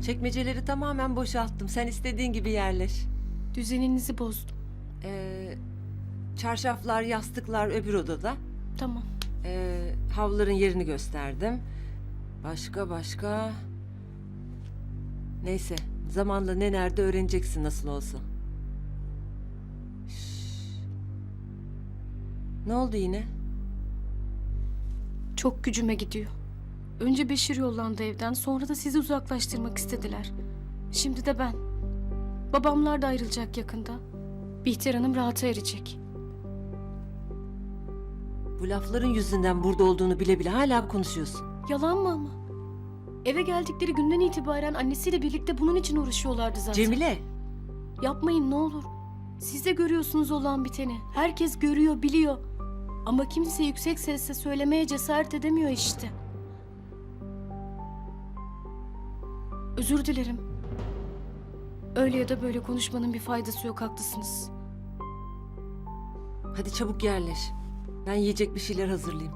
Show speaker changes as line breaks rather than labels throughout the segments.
Çekmeceleri tamamen boşalttım. Sen istediğin gibi yerleş.
Düzeninizi bozdum.
Çarşaflar, yastıklar öbür odada.
Tamam.
Havluların yerini gösterdim. Başka... Neyse, zamanla ne nerede öğreneceksin nasıl olsa. Şşş. Ne oldu yine?
Çok gücüme gidiyor. Önce Beşir yollandı evden, sonra da sizi uzaklaştırmak istediler. Şimdi de ben. Babamlar da ayrılacak yakında. Bihter Hanım rahata erecek.
Bu lafların yüzünden burada olduğunu bile bile hala konuşuyorsun.
Yalan mı ama? Eve geldikleri günden itibaren annesiyle birlikte bunun için uğraşıyorlardı zaten.
Cemile!
Yapmayın ne olur. Siz de görüyorsunuz olan biteni. Herkes görüyor, biliyor. Ama kimse yüksek sesle söylemeye cesaret edemiyor işte. Özür dilerim. Öyle ya da böyle konuşmanın bir faydası yok, haklısınız.
Hadi çabuk yerleş. Ben yiyecek bir şeyler hazırlayayım.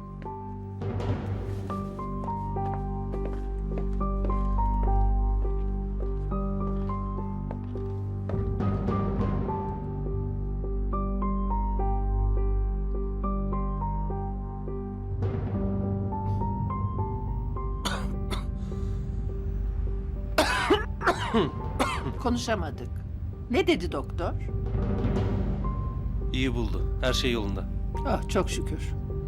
Konuşamadık. Ne dedi doktor?
İyi buldu. Her şey yolunda.
Ah çok şükür.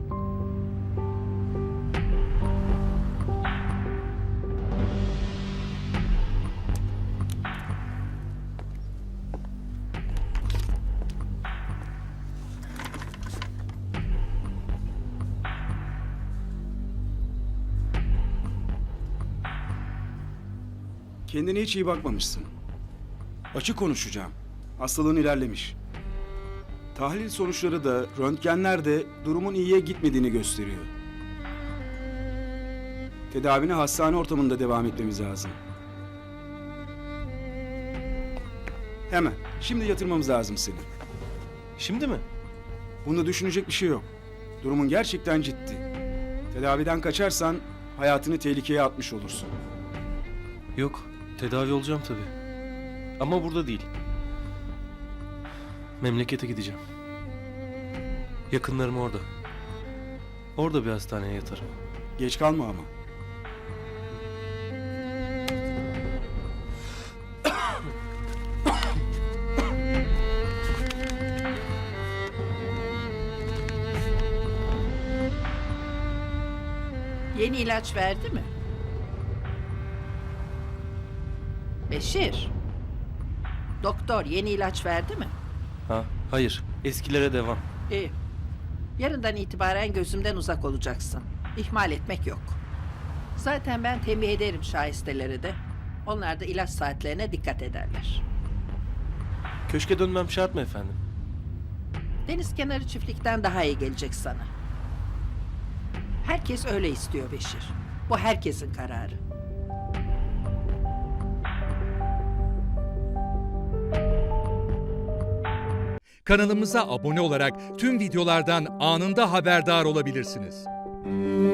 Kendine hiç iyi bakmamışsın. Açık konuşacağım. Hastalığın ilerlemiş. Tahlil sonuçları da, röntgenler de durumun iyiye gitmediğini gösteriyor. Tedavine hastane ortamında devam etmemiz lazım. Hemen, şimdi yatırmamız lazım seni.
Şimdi mi?
Bunda düşünecek bir şey yok. Durumun gerçekten ciddi. Tedaviden kaçarsan hayatını tehlikeye atmış olursun.
Yok. Tedavi olacağım tabii. Ama burada değil. Memlekete gideceğim. Yakınlarım orada. Orada bir hastaneye yatarım.
Geç kalma ama.
Yeni ilaç verdi mi? Beşir. Doktor yeni ilaç verdi mi?
Ha? Hayır. Eskilere devam.
İyi. Yarından itibaren gözümden uzak olacaksın. İhmal etmek yok. Zaten ben tembih ederim şahisteleri de. Onlar da ilaç saatlerine dikkat ederler.
Köşke dönmem şart mı efendim?
Deniz kenarı çiftlikten daha iyi gelecek sana. Herkes öyle istiyor Beşir. Bu herkesin kararı.
Kanalımıza abone olarak tüm videolardan anında haberdar olabilirsiniz.